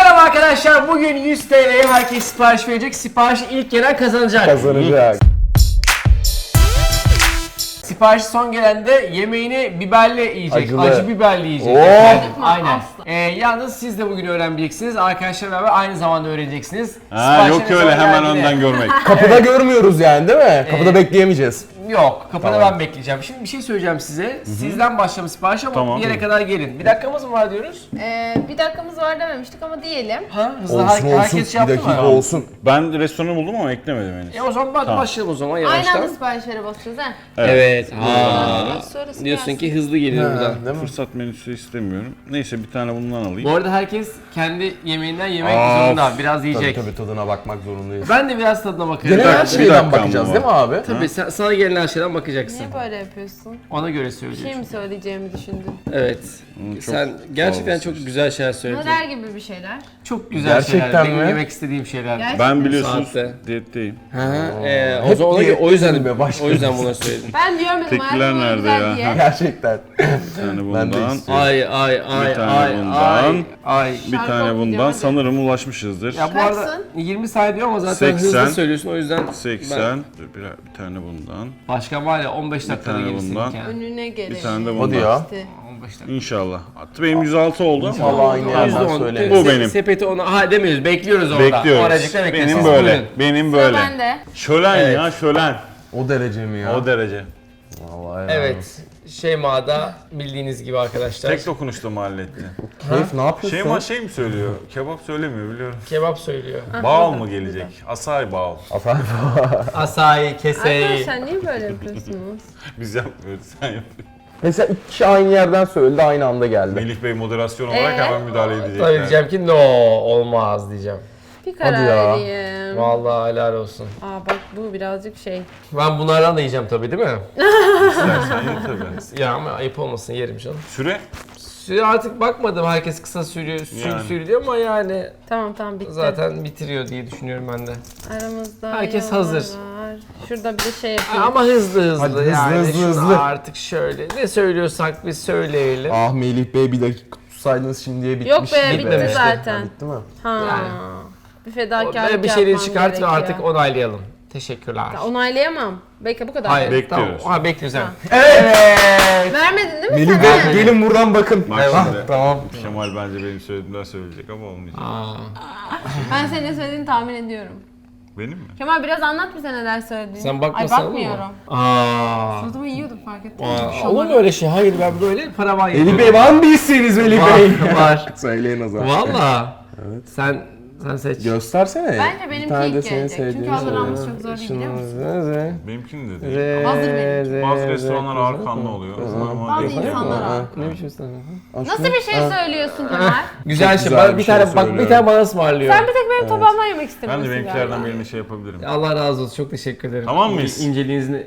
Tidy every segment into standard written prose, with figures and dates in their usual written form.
Merhaba arkadaşlar, bugün 100 TL'ye herkes sipariş verecek. Siparişi ilk gelen kazanacak. Kazanacak. Siparişi son gelen de yemeğini biberli yiyecek. Acılı. Acı biberli yiyecek. Oh! Aynen. Yalnız siz de bugün öğreneceksiniz. Arkadaşlarla beraber aynı zamanda öğreneceksiniz. Ha, yok Siparişlerin öyle son hemen geldiğinde- önden görmek. Kapıda görmüyoruz yani değil mi? Kapıda bekleyemeyeceğiz. Yok, kapıda Tamam. ben bekleyeceğim. Şimdi bir şey söyleyeceğim size. Sizden başlamış sipariş ama Tamam. bir yere kadar gelin. Bir dakikamız mı var diyoruz? Bir dakikamız var dememiştik ama diyelim. Ha, hızlı Olsun herkes olsun. şey Bir yaptı dakika mı? olsun. Ben restoranı buldum ama eklemedim henüz. O zaman Tamam. başlayalım o zaman Aynı yavaştan. anda siparişlere basacağız ha. Evet. Sonrası Diyorsun gelsin. ki hızlı geliyor buradan. Değil mi? Fırsat menüsü istemiyorum. Neyse bir tane bundan alayım. Bu arada herkes kendi yemeğinden yemek Of. zorunda. Biraz yiyecek. Tabii tadına bakmak zorundayız. Ben de biraz tadına bakarım. Genel her bir şeyden dakika bakacağız ama. değil mi abi? Tabii sana gelen her şeyden bakacaksın. Niye böyle yapıyorsun? Ona göre Bir söylüyorsun. şey mi söyleyeceğimi düşündün? Evet. çok Sen gerçekten sağ çok güzel şeyler söyledin. Neler gibi bir şeyler? Çok güzel Gerçekten şeyler. Benim mi? yemek istediğim şeyler. Gerçekten. Ben biliyorsunuz Saatte. diyetteyim. O Hep zaman diyet o yüzden mi başlıyoruz? o yüzden bunu söyledim. Ben diyorum dedim Tekiler hayatım nerede güzel ya? diye. Gerçekten. Bir tane Ben de bundan. istiyorum. Ay Bir tane ay bundan. ay. Bir Şarkı tane bundan. okuyacağım, hadi. Sanırım ulaşmışızdır. Ya bu arada Kaçsın? 20 saniye diyor ama zaten 80. hızlı söylüyorsun o yüzden 80. Dur, bir tane bundan. başka var ya 15 dakikada tane gelirsin bundan. yani. Önüne gelelim. Bir tane de Hadi bundan. ya. İşte. 15 dakika. İnşallah. Hatta benim 106 oldu ama. Vallahi aynı yerden %10. söyle. Bu benim. Sepeti ona ha demiyoruz. Bekliyoruz orada. Bekliyoruz. Oracıkta bekliyoruz. Benim Siz böyle. buyurun. Benim Sıra böyle. bende. Şölen Evet. ya şölen. O derece mi ya? O derece. Vallahi ya. Evet. Şeyma'da bildiğiniz gibi arkadaşlar. Tek dokunuşta mı halletti? Keyif ne yapıyorsun? Şeyma şey mi söylüyor? Kebap söylemiyor biliyorum. Kebap söylüyor. Bağıl mı gelecek? Asay bağıl. Efendim? Asayi, keseyi. Arkadaşlar niye böyle yapıyorsunuz? Biz yapmıyoruz sen yapıyorsun. Mesela iki kişi aynı yerden söyledi, aynı anda geldi. Melih Bey moderasyon olarak hemen müdahale Tabii edecekler. diyeceğim ki no olmaz diyeceğim. Bir karar Hadi ya. vereyim. Vallahi helal olsun. Aa bak bu birazcık şey. Ben bunlardan da yiyeceğim tabii değil mi? İstersen ye tabii. Ya ama ayıp olmasın yerim canım. Süre? Süre artık bakmadım herkes kısa sürüyor, Yani. sürüyor ama yani Tamam bitti. zaten bitiriyor diye düşünüyorum ben de. Aramızda Herkes yollar hazır. var. Şurada bir de şey yapayım. Ama hızlı Hadi hızlı, yani hızlı, şunu hızlı. artık şöyle ne söylüyorsak biz söyleyelim. Ah Melih Bey bir dakika tutsaydınız şimdiye bitmiş. Yok be, bitti Bitmemişti. zaten. Bitti mi? Ha. Yani. Bir fedakarlık Böyle bir şeyleri yapmam çıkart ve gerekiyor. artık onaylayalım. Teşekkürler. Onaylayamam. Bekle bu kadar. Hayır, Bekliyoruz. Tamam. Ha bekliyoruz yani. Evet. Vermedin değil mi Melih sen? Bey Ha. gelin buradan bakın. Bak Ah, şimdi. tamam. Kemal bence benim söylediğimden söyleyecek ama olmayacak. Aa. Ben senin ne söylediğini tahmin ediyorum. Benim mi? Kemal biraz anlat bize neler söylediğini. Sen Ay bakmasana mı? bakmıyorum. Aa. Suratıma yiyordum fark ettin mi? Olur mu öyle şey? Hayır ben böyle paravan Melih yapıyorum. Bey var mı bir isteğiniz Melih Bey? Var. Söyleyin o zaman. Valla. Sen seç. Göstersene. Bence Bir benimki tane de ilk senin gelecek. Çünkü sevdiğin hazırlanmış söyle. çok zor değil biliyor musun? Benimkini de değil. Hazır benimki. Bazı restoranlar ağır kanlı oluyor. Normal Bazı değil. insanlar var. Ne biçim sen? Nasıl bir şey söylüyorsun Kemal? Güzel Çok şey. güzel Bak, bir bir şey tane bak bir söylüyorum. tane bana ısmarlıyor. Sen bir tek benim tabağımdan yemek Ben istemiyorsun de benimkilerden galiba. birini şey yapabilirim. Allah razı olsun. Çok teşekkür ederim. Tamam mıyız? İnceliğinizi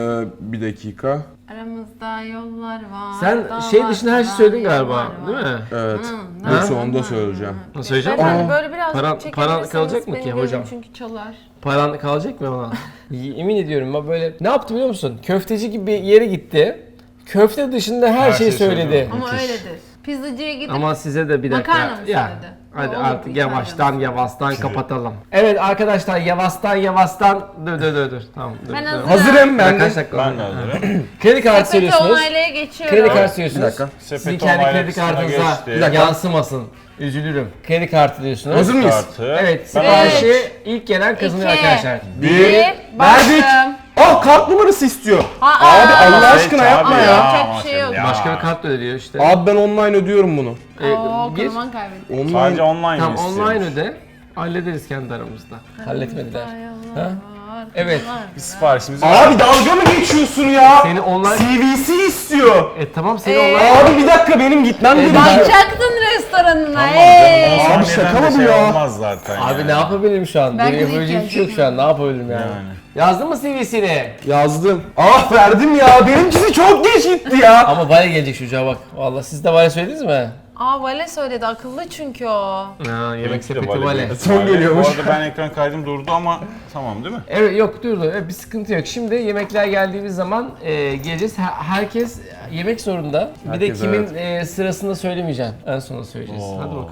Bir dakika. Aramızda yollar var. Sen şey dışında her şeyi söyledin galiba, değil mi? Evet. Hı, Yoksa hı, onu da hı, söyleyeceğim. Nasıl söyleyeceğim? Beyefendi böyle biraz paran çekebilirseniz kalacak mı benim ki gözüm hocam? çünkü çalar. Paran kalacak mı ona? Yemin ediyorum ben böyle ne yaptı biliyor musun? Köfteci gibi bir yere gitti. Köfte dışında her şeyi şeyi söyledi. söyledi. Ama Müthiş. öyledir. Pizzacıya gidip Ama size de bir dakika. Makarna mı Ya, söyledi? hadi Olur, artık bir yavaştan kapatalım. Evet arkadaşlar yavaştan dur. Tamam dur. Ben dur. hazırım. Hazırım ben Kaç de. dakika Ben oldu? de hazırım. Kredi kartı sepeti söylüyorsunuz. onaylaya geçiyorum. Kredi kartı söylüyorsunuz. Bir dakika. Sizin Sepeti kendi onayla kredi kısmına kartınıza geçti. Bir dakika. yansımasın. Üzülürüm. Kredi kartı diyorsunuz. Hazır mıyız? Kartı. Evet, Ben siparişi ilk gelen kazanıyor İki. arkadaşlar. Bir, Verdik. bastım. Oh kart numarası istiyor. Aa, Abi Allah Seç aşkına abi yapma ya. Yapacak bir şey yok. Ya. Başka bir kart da ödüyor işte. Abi ben online ödüyorum bunu. Oo, Gir. kırman kaybettim. Online. Sadece online Tamam istiyormuş. online öde. Hallederiz kendi aramızda. Halletmediler. Ha? Evet. Bir siparişimiz var. Abi dalga mı geçiyorsun ya? Seni online... CVC istiyor. Tamam seni online... Abi bir dakika benim gitmem gerekiyor. Bakacaktın restoranına. Tamam Hey. canım. Abi Abi şaka mı bu şey ya? olmaz zaten Abi yani. ne yapabilirim şu an? Belki Benim de yapabileceğim bir şey yok şu an. Ne yapabilirim yani? Yani. Yazdın mı CV'sini? Yazdım. Ah verdim ya. Benimkisi çok geç gitti ya. Ama Vale gelecek çocuğa bak. Vallahi siz de Vale söylediniz mi? Aa Vale söyledi akıllı çünkü o. Ha, yemek Benimki de sepeti Vale Vale. değil. Son geliyormuş. Bu arada ben ekran kaydım durdu ama tamam değil mi? Evet yok durdu. Evet, bir sıkıntı yok. Şimdi yemekler geldiğimiz zaman geleceğiz. Herkes yemek zorunda. Bir de Herkes, kimin sırasında söylemeyeceğim. En sona söyleyeceğiz. Oo. Hadi bakalım.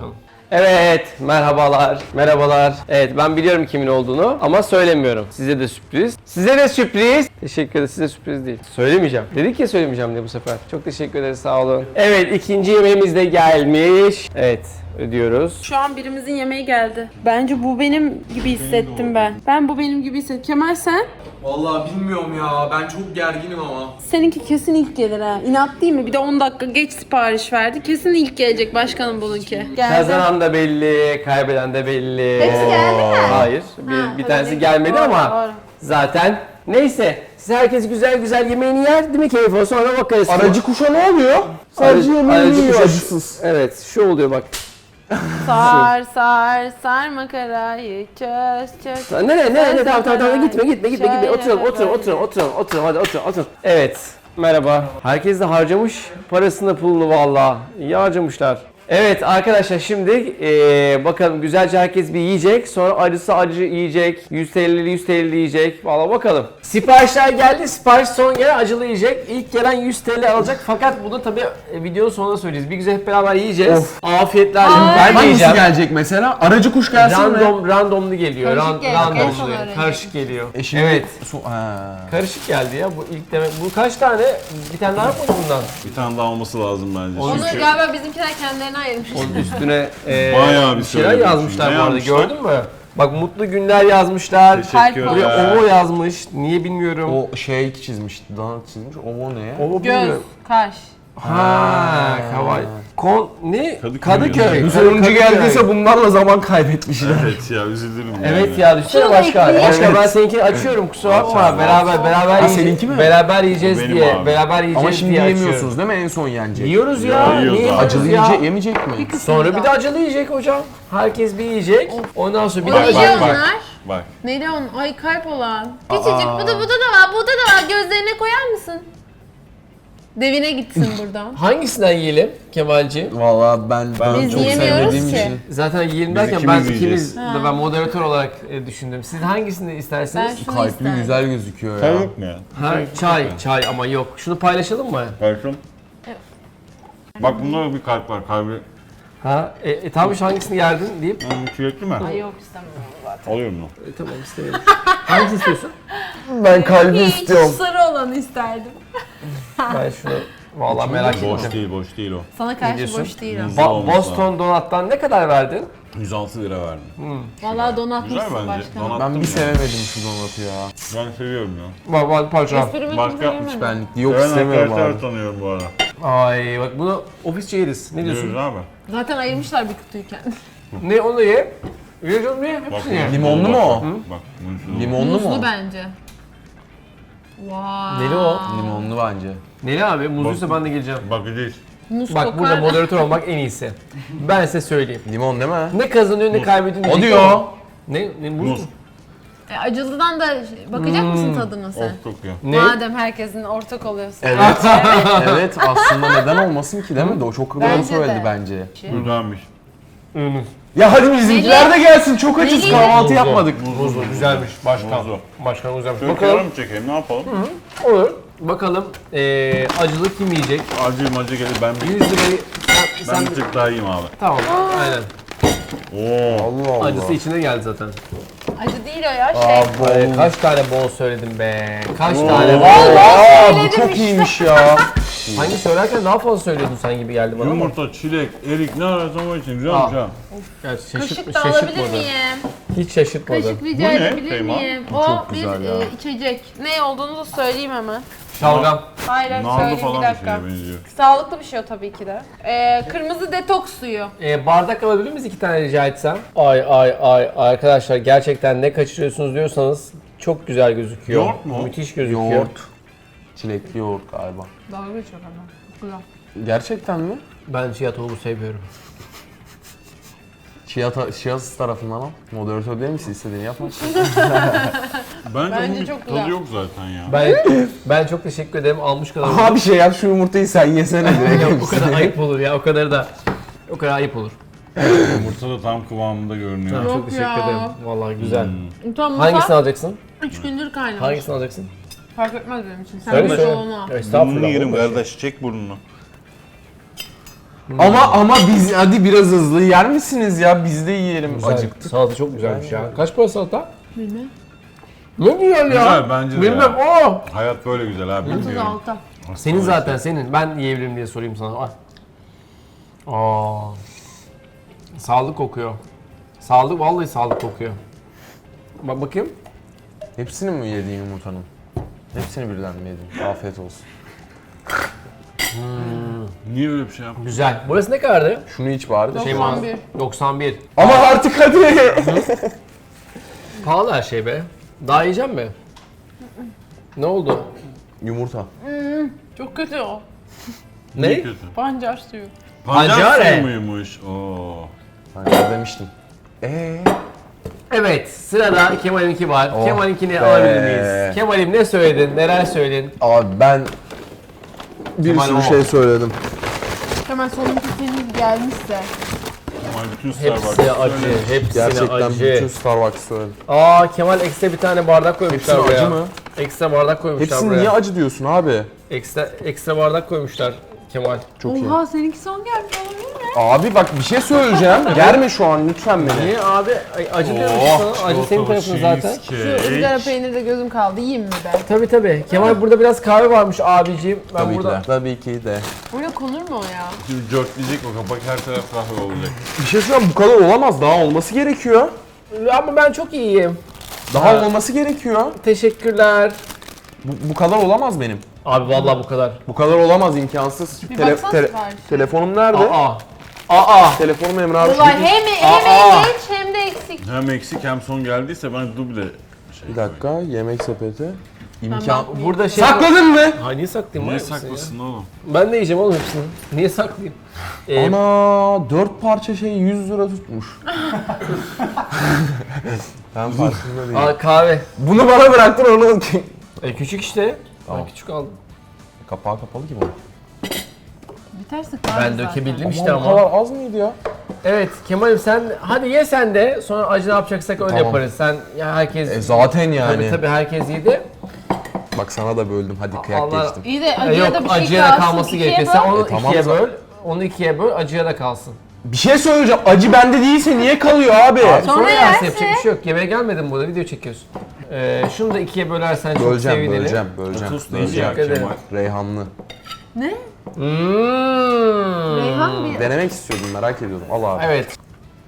Evet, merhabalar. Merhabalar. Evet, ben biliyorum kimin olduğunu ama söylemiyorum. Size de sürpriz. Size de sürpriz. Teşekkür ederim. Size sürpriz değil. Söylemeyeceğim. Dedik ya söylemeyeceğim diye bu sefer. Çok teşekkür ederiz. Sağ olun. Evet, ikinci yemeğimiz de gelmiş. Evet, ödüyoruz. Şu an birimizin yemeği geldi. Bence bu benim gibi hissettim ben. Ben bu benim gibi hissettim. Kemal sen? Vallahi bilmiyorum ya. Ben çok gerginim ama. Seninki kesin ilk gelir ha. İnat değil mi? Bir de 10 dakika geç sipariş verdi. Kesin ilk gelecek başkanım bununki. Geldi. Kazanan da belli, kaybeden de belli. Hepsi geldi mi? Hayır, bir tanesi gelmedi ama Doğru. zaten. Neyse, siz herkes güzel güzel yemeğini yer değil mi keyif olsun sonra bakarız. Aracı kuşa ne oluyor? Sadece yemeğini Aracı yiyor kuş- acısız. Evet, şu oluyor bak. Sar sar sar makarayı çöz. Ne tamam gitme oturalım hadi oturun. Evet, merhaba. Herkes de harcamış parasını pulunu valla. İyi harcamışlar. Evet arkadaşlar şimdi bakalım güzelce herkes bir yiyecek. Sonra acısı acı yiyecek. 100 TL'li 100 TL'li yiyecek. Valla bakalım. Siparişler geldi. Sipariş son gelen acılı yiyecek. İlk gelen 100 TL alacak. Fakat bunu tabii videonun sonunda söyleyeceğiz. Bir güzel hep beraber yiyeceğiz. Afiyetler. Ben de Hangisi yiyeceğim. gelecek mesela? Aracı kuş gelsin mi? Randomlu geliyor. Karışık geliyor, en son öğreneceğim. Karışık geliyor. Şimdi Evet. Ha. Karışık geldi ya bu ilk demek. Bu kaç tane? Bir tane daha mı bundan? Bir tane daha olması lazım bence. Onu Çünkü galiba bizimkiler kendilerine ayırmış. Onun üstüne Bayağı bir şeyler söyledim. yazmışlar Ne bu arada. yazmışlar? Gördün mü? Bak mutlu günler yazmışlar. Teşekkür Kalp Buraya ederim. ovo yazmış. Niye bilmiyorum. O şey çizmiş, donut çizmiş. O ne? Ovo Göz, bilmiyorum. kaş. Ha, kavaj. Ne? Kadıköy. Kadıköy. Bu sonuncu geldiyse bunlarla zaman kaybetmişler. Evet ya üzülürüm yani. Evet ya düşünsene Şunu başka. ekleyeyim. Başka ben seninkini açıyorum kusura bakma. Aç abi. Beraber Ha, yiyeceğiz. seninki mi? Beraber yiyeceğiz Benim diye. abi. Beraber yiyeceğiz Ama şimdi diye yiyemiyorsunuz değil mi? En son yenecek. Yiyoruz ya. Ya, yiyoruz Niye abi. yiyoruz Acılı ya? yemeyecek mi? Sonra bir de acılı yiyecek hocam. Herkes bir yiyecek. Ondan sonra bir O de neydi acılı. onlar? Bak. Neydi on? Ay kalp olan. Küçücük bu da var, bu da var. Gözlerine koyar mısın? Devine gitsin buradan. Hangisinden yiyelim Kemalci? Valla ben Biz çok yiyemiyoruz sevmediğim ki. için. Zaten yiyelim Biz derken ikimiz ben yiyeceğiz. ikimiz de ben moderatör olarak düşündüm. Siz hangisini isterseniz? Ben şunu Kalpli isterim. güzel gözüküyor Sen ya. yok mu ya? Ha, çay ama yok. Şunu paylaşalım mı? Kalkın. Bak bunda bir kalp var. Kalbi. Ha, tamam şu hangisini yerdin deyip Çilekli mi? Ay yok istemiyorum zaten. Alıyorum bunu. tamam istemiyorum. Hangisini istiyorsun? Ben kalbi Hiç istiyorum. sarı olanı isterdim. Ben şunu vallahi merak Boş ettim. değil, boş değil o. Sana karşı diyorsun? boş değil o. Güzel olmuş Boston Donut'tan ne kadar verdin? 106 lira verdim. Vallahi Güzel donatmışsın bence. başkanım. Donattım Ben bir ya. sevemedim şu donatı ya. Ben seviyorum ya. Pardon. Esprimi Başka- kimse bilmedi. Benlik yok Ben istemiyorum arkadaşlar abi. tanıyorum bu arada. Ay bak bunu ofisçe yeriz. Ne diyorsun? Diyoruz abi. Zaten ayırmışlar bir kutuyken. Ne onu ye? Yiyeceğiz mi? Bak, Hepsini ye. Limonlu mu o? Bak, bunun şunu. Limonlu mu? Muzlu bence. Vay. Neli o? Limonlu bence. Neli abi? Muzluysa ben de geleceğim. Bakacağız. Muz Bak kokar. burada moderatör olmak en iyisi. Ben size söyleyeyim. Limon değil mi? Ne kazanıyor ne kaybediyor. O diyecek diyor. ama. Ne muz? Muz. mu? Acılıdan da bakacak mısın tadına sen? Of çok iyi. Ne? Madem herkesin ortak oluyorsun. Evet. Evet aslında neden olmasın ki değil mi? O çok doğru Bence söyledi de. bence. Güzelmiş. Ya hadi bizimkiler de gelsin. Çok açız. Neli? Kahvaltı yapmadık. Muzlu. Güzelmiş. Başkan. Muzlu. Başkan güzelmiş. Şöyle Bakalım. kenara mı çekeyim ne yapalım? Olur. Bakalım acılı kim yiyecek? Acı gelir ben 100 lirayı ben sen bir tık daha yiyeyim abi. tamam. Aynen. Oo. Allah Allah. Acısı içine geldi zaten. Acı değil o ya şey. Ay, kaç tane bol söyledim be. Kaç Oo. tane bol. Aa, bu Söyledim çok işte. iyiymiş ya. Hangi söylerken daha fazla söylüyordun sen gibi geldi bana ama. Yumurta, çilek, erik ne arasam o için güzelmiş Aa. ha. Evet, Kaşık da alabilir miyim? Hiç şaşırtmadı. Kaşık Bu rica ne? edebilir Kıyma. miyim? Bu O çok bir güzel ya. içecek. Ne olduğunu da söyleyeyim hemen. Şalgam. Hayır hayır Narlı söyleyeyim bir falan bir dakika. şeye benziyor. Sağlıklı bir şey o tabii ki de. Kırmızı detoks suyu. Bardak alabilir miyiz 2 tane rica etsem? Ay arkadaşlar gerçekten ne kaçırıyorsunuz diyorsanız çok güzel gözüküyor. Yoğurt mu? Müthiş gözüküyor. Yoğurt. Çilekli yoğurt galiba. Dalga geçiyor ama. Güzel. Gerçekten mi? Ben chia tohumu seviyorum. Şiasız tarafından al. Moderatör değil misin? İstediğini yapma. Bence Bence bunun çok tadı güzel. yok zaten ya. Ben çok teşekkür ederim. Almış kadar. Aha bir şey yap şu yumurtayı sen yesene direkt. O kadar ayıp olur ya. O kadar ayıp olur. Yumurta da tam kıvamında görünüyor. Yok Çok teşekkür ya. ederim. Vallahi güzel. Tamam Hangisini alacaksın? 3 gündür kaynamış. Hangisini alacaksın? Fark etmez benim için. Sen Söyle bir söyle. onu al. Burnunu Estağfurullah. yerim olur mu? kardeş, çek burnunu. Ama biz hadi biraz hızlı yer misiniz ya? Biz de yiyelim. Acıktık. Salata çok güzelmiş ya. Kaç para salata? Bilmem. Ne güzel ya. Güzel bence de Bilmem. ya. Oo. Hayat böyle güzel abi. Bilmiyorum. 36. Senin zaten senin. Ben yiyebilirim diye sorayım sana. Al. Aa. Sağlık kokuyor. Sağlık vallahi sağlık kokuyor. Bak bakayım. Hepsini mi yedin yumurtanın? Hepsini birden mi yedin? Afiyet olsun. Niye öyle bir şey yaptın? Güzel. Burası ne kadardı? Şunu iç bari de. 91. 91. Ama artık hadi. Pahalı her şey be. Daha yiyecek mi? Ne oldu? Yumurta. Çok kötü o. Ne? Niye kötü? Pancar suyu. Pancar Pancare. suyu muymuş? Oo. Ben demiştim. Evet, sırada Kemal'inki var. Oh Kemal'inkini be. alabilir miyiz? Kemal'im ne söyledin, neler söyledin? Abi ben bir Kemal sürü o. şey söyledim. Hemen sonunki senin gelmişse. Ama bütün Starbucks. Hepsi acı, hepsine Gerçekten acı. bütün Starbucks söyledim. Aa, Kemal ekstra bir tane bardak koymuşlar Hepsini buraya. acı mı? Ekstra bardak koymuşlar Hepsini buraya. niye acı diyorsun abi? Ekstra bardak koymuşlar Kemal. Çok iyi. Oha seninki son gelmiş olabilir mi? Abi bak bir şey söyleyeceğim. Germe şu an lütfen beni. Niye abi? Acı diyorum sana. Acı senin tarafın zaten. Şu ızgara peynirde gözüm kaldı. Yiyeyim mi ben? Tabii. Kemal burada biraz kahve varmış abiciğim. Ben Tabii burada... ki de. Tabii ki de. Öyle konur mu o ya? Şimdi dörtleyecek o kapak, her taraf kahve olacak. Bir şey söyleyeyim, bu kadar olamaz. Daha olması gerekiyor. Ama ben çok iyiyim. Daha olması gerekiyor. Teşekkürler. Bu kadar olamaz benim. Abi vallahi bu kadar. Bu kadar olamaz, imkansız. Bir baksana siparişe. Telefonum nerede? Aa. Telefonum Emre abi. Ulan hem geç hem de eksik. Hem eksik hem son geldiyse ben duble şey. Bir dakika, yemek sepeti. İmkan. bakmayayım. Burada şey... Sakladın mı? Ha niye saklayayım? Niye var mısın saklısın oğlum? ya? Ben de yiyeceğim oğlum hepsini. Niye saklayayım? Ana 4 parça şey 100 lira tutmuş. Ben farkında değilim. Aa, kahve. Bunu bana bıraktın onu. Küçük işte. Tamam. Ben küçük aldım. Kapağı kapalı ki bu. Biterse kahve Ben zaten. dökebildim işte Bu ama. kadar az mıydı ya? Evet Kemal'im sen hadi ye sen de sonra acı ne yapacaksak öyle Tamam. yaparız. Sen ya herkes Zaten yani. tabii herkes yedi. Bak sana da böldüm. Hadi kıyak Allah- geçtim. İyi de acıya Yok da bir şey acıya da kalsın. kalması ikiye gerekiyor. böl. Sen onu tamam ikiye zaten. böl. Onu ikiye böl acıya da kalsın. Bir şey söyleyeceğim. Acı bende değilse niye kalıyor abi? Sonra yersin. yersin yapacak bir şey yok. Yemeğe gelmedin burada video çekiyorsun. Şunu da ikiye bölersen çok Böleceğim, sevinirim. böleceğim. Tuz neydi ya Teşekkür Kemal? Reyhanlı. Ne? Hmm. Reyhan mı? Denemek istiyordum, merak ediyordum. Al abi. Evet.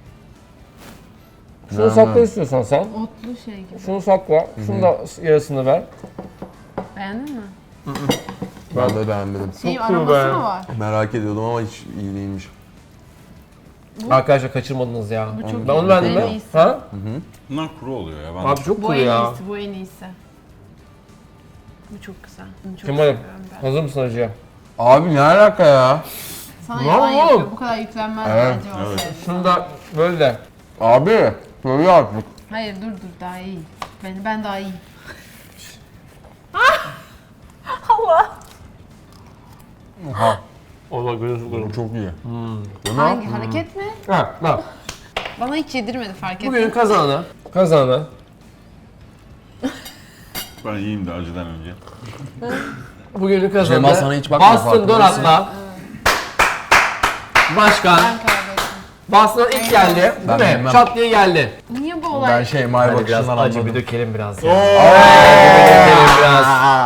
Şunu sakla istiyorsan sen. Otlu şey gibi. Şunu sakla. Şunu da yarısını ver. Beğendin mi? Ben de beğenmedim. Şey Çok iyi aroması be. mı var? Merak ediyordum ama hiç iyi değilmiş. Arkadaşlar kaçırmadınız ya. Bu çok Ben iyi. onu beğendim En ben. iyisi. Ha? Bunlar kuru oluyor ya. Ben Abi çok Bu cool en ya. iyisi, bu en iyisi. Bu çok güzel. Bunu çok Kemal'im seviyorum ben. hazır mısın acıya? Abi ne alaka ya? Sana Ne yalan oğlum? yapıyor. Bu kadar yüklenmez Evet, bence o evet. şey. Şunu da böyle de. Abi, söyle artık. Hayır dur daha iyi. Ben daha iyiyim. Allah görüyorsun. Bu çok iyi. Hangi hareket mi? Ha, bak. Bana hiç yedirmedi fark ettin. Bugünün kazananı. Ben yiyeyim de acıdan önce. Bugünün kazananı. Cemal sana hiç bakma, Boston farkında Donat'la. Başkan. Ben kaybettim. Boston ilk geldi. Ben Değil mi? bilmem. Çat diye geldi. Niye bu olay? Ben şey Maya Hadi biraz bakışından acı bir anladım. dökelim biraz ya. Dökelim biraz.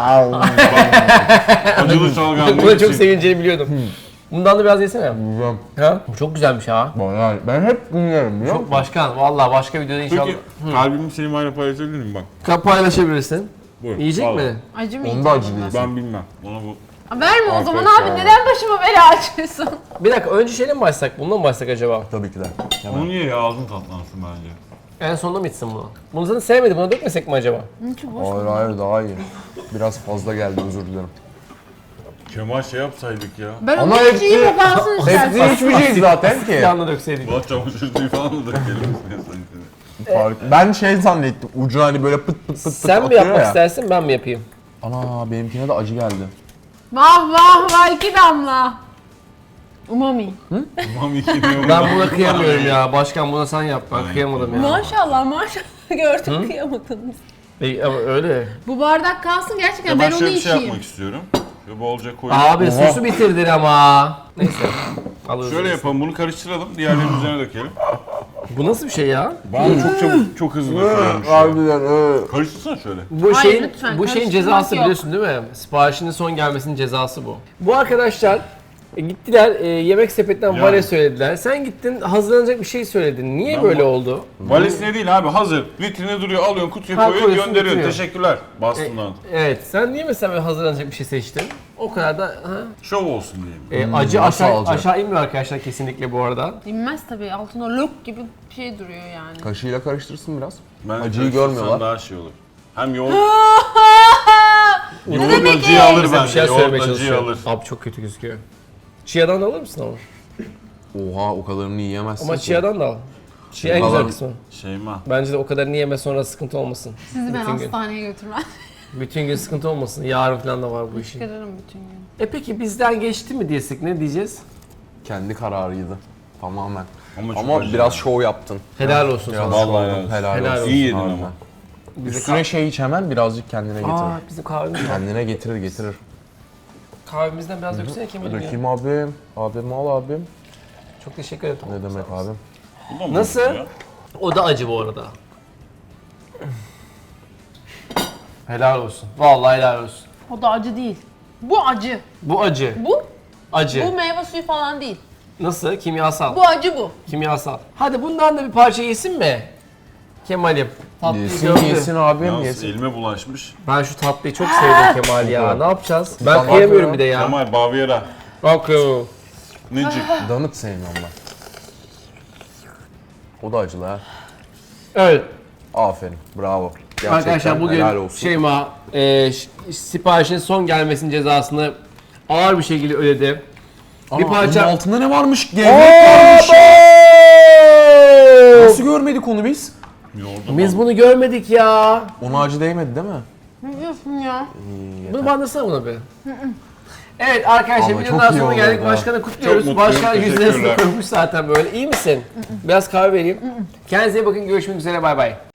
Acılı şalgam Buna çok sevineceğini biliyordum. Bundan da biraz yesene. Güzel. Ha? Bu çok güzelmiş ha. Bayağı. Ben hep dinlerim biliyor Çok musun? başkan. Vallahi başka videoda inşallah. Peki kalbimi Selima'yla paylaşabilir miyim bak? Paylaşabilirsin. Buyur. Yiyecek al. mi? Acı mı Onda acı değil. Ben bilmem. Ona bu Verme o zaman Arkadaşlar. abi. Neden başıma bela açıyorsun? Bir dakika önce şeyle mi başlasak? Bundan mı başlasak acaba? Tabii ki de. onu niye ya, ağzın tatlansın bence. En sonunda mı içsin bunu? Bunu zaten sevmedi. Buna dökmesek mi acaba? Çok boş. Hayır hayır daha iyi. Biraz fazla geldi, özür dilerim. Kemal şey yapsaydık ya. Ben Ama onu hiç hepsi- yiyeyim o kalsın istersen. Hepsini içmeyeceğiz zaten ki. Yanına dökseydik. Bulat çamaşır suyu falan da dökelim istiyorsan. Ben şey zannettim, ucu hani böyle pıt pıt pıt pıt Sen mi atıyor yapmak ya. istersin ben mi yapayım? Ana benimkine de acı geldi. Vah vah vah 2 damla. Umami. Tamam iki ne Ben buna kıyamıyorum ya. Başkan buna sen yap. Ben kıyamadım ya. Maşallah maşallah gördüm kıyamadınız. Ama öyle. Bu bardak kalsın gerçekten ben Ben onu şöyle bir şey içeyim. yapmak istiyorum. Ve bolca koyayım. Abi sosu bitirdin ama. Neyse. Alırız. Şöyle yapalım, bunu karıştıralım, diğerlerinin üzerine dökelim. Bu nasıl bir şey ya? Bana çok çabuk, çok hızlı dökülüyormuş ya. Harbiden. Karıştırsana şöyle. Bu Hayır, şeyin lütfen, bu şeyin karıştırmak cezası yok. biliyorsun değil mi? Siparişinin son gelmesinin cezası bu. Bu arkadaşlar gittiler yemek sepetinden Yani. vale söylediler. Sen gittin hazırlanacak bir şey söyledin. Niye Ben böyle bu- oldu? Valiz ne değil abi, hazır. Vitrine duruyor, alıyorsun, kutuya Ha, koyuyorsun, koyuyorsun, gönderiyorsun. bitiriyor. Teşekkürler. Bastığından. Evet. Sen niye mesela böyle hazırlanacak bir şey seçtin? O kadar da Şov olsun diyelim. acı nasıl aşağı alacak? aşağı inmiyor arkadaşlar kesinlikle bu arada. İnmez tabii. Altında lok gibi bir şey duruyor yani. Kaşığıyla karıştırsın biraz. Ben Acıyı karıştırsam görmüyorlar. daha şey olur. Hem yoğurt, Ne yoğurt demek acıyı ki? alır Bize bir bence. şey Yoğurt söylemeye acıyı çalışıyor. alır. Abi çok kötü gözüküyor. Chia'dan da alır mısın ama? Oha o kadarını yiyemezsin Ama ki. Chia'dan da al. Chia en Kalan- güzel kısmı. Şeyma. Bence de o kadar yeme sonra sıkıntı olmasın. Sizi ben Bütün gün. hastaneye götürmem. Bütün gün sıkıntı olmasın. Yarın falan da var bu işin. Çıkarırım bütün gün. Peki bizden geçti mi diyesek ne diyeceğiz? Kendi kararıydı. Tamamen. Ama, çok Ama acı biraz ya. şov yaptın. Helal olsun Biraz sana. Vallahi şov helal yaptın. olsun. Helal, Helal olsun. olsun. İyi yedin harbiden. ama. Üstüne şey iç hemen birazcık kendine getirir. Aa bizim kahvemiz var. Kendine getirir. Kahvemizden biraz döksene Kemal'im ya. Dökeyim abim. Abim al abim. Çok teşekkür ederim. Ne demek abim? Bu da mı Nasıl? ya? O da acı bu arada. Helal olsun. Vallahi helal olsun. O da acı değil. Bu acı. Bu acı. Bu Acı. bu meyve suyu falan değil. Nasıl? Kimyasal. Bu acı bu. Kimyasal. Hadi bundan da bir parça yesin mi? Kemal'im. Tatlıyı Yesin gördü. yesin abim Yalnız yesin. elime bulaşmış. Ben şu tatlıyı çok sevdim Kemal ya. Ne yapacağız? Ben Tamam kıyamıyorum ya. bir de ya. Kemal, Bavyera. Bakıyorum. Necik. Donut sevmiyorum ben. O da acılı ha. Evet. Aferin. Bravo. Gerçekten Arkadaşlar bugün helal olsun. Şeyma siparişin son gelmesinin cezasını ağır bir şekilde ödedi. Bir Aa, parça... bunun altında ne varmış? Gevrek varmış. Nasıl görmedik onu biz? Yoğurdum. Biz bunu görmedik ya. Ona acı değmedi değil mi? Ne diyorsun ya? Bunu bandırsana buna bir. Evet arkadaşlar Ama videonun çok iyi sonuna geldik. oldu ha. Başkanı kutluyoruz. Çok mutluyum, Başkan yüzüne teşekkürler. koymuş zaten böyle. İyi misin? Biraz kahve vereyim. Kendinize iyi bakın. Görüşmek üzere. Bay bay.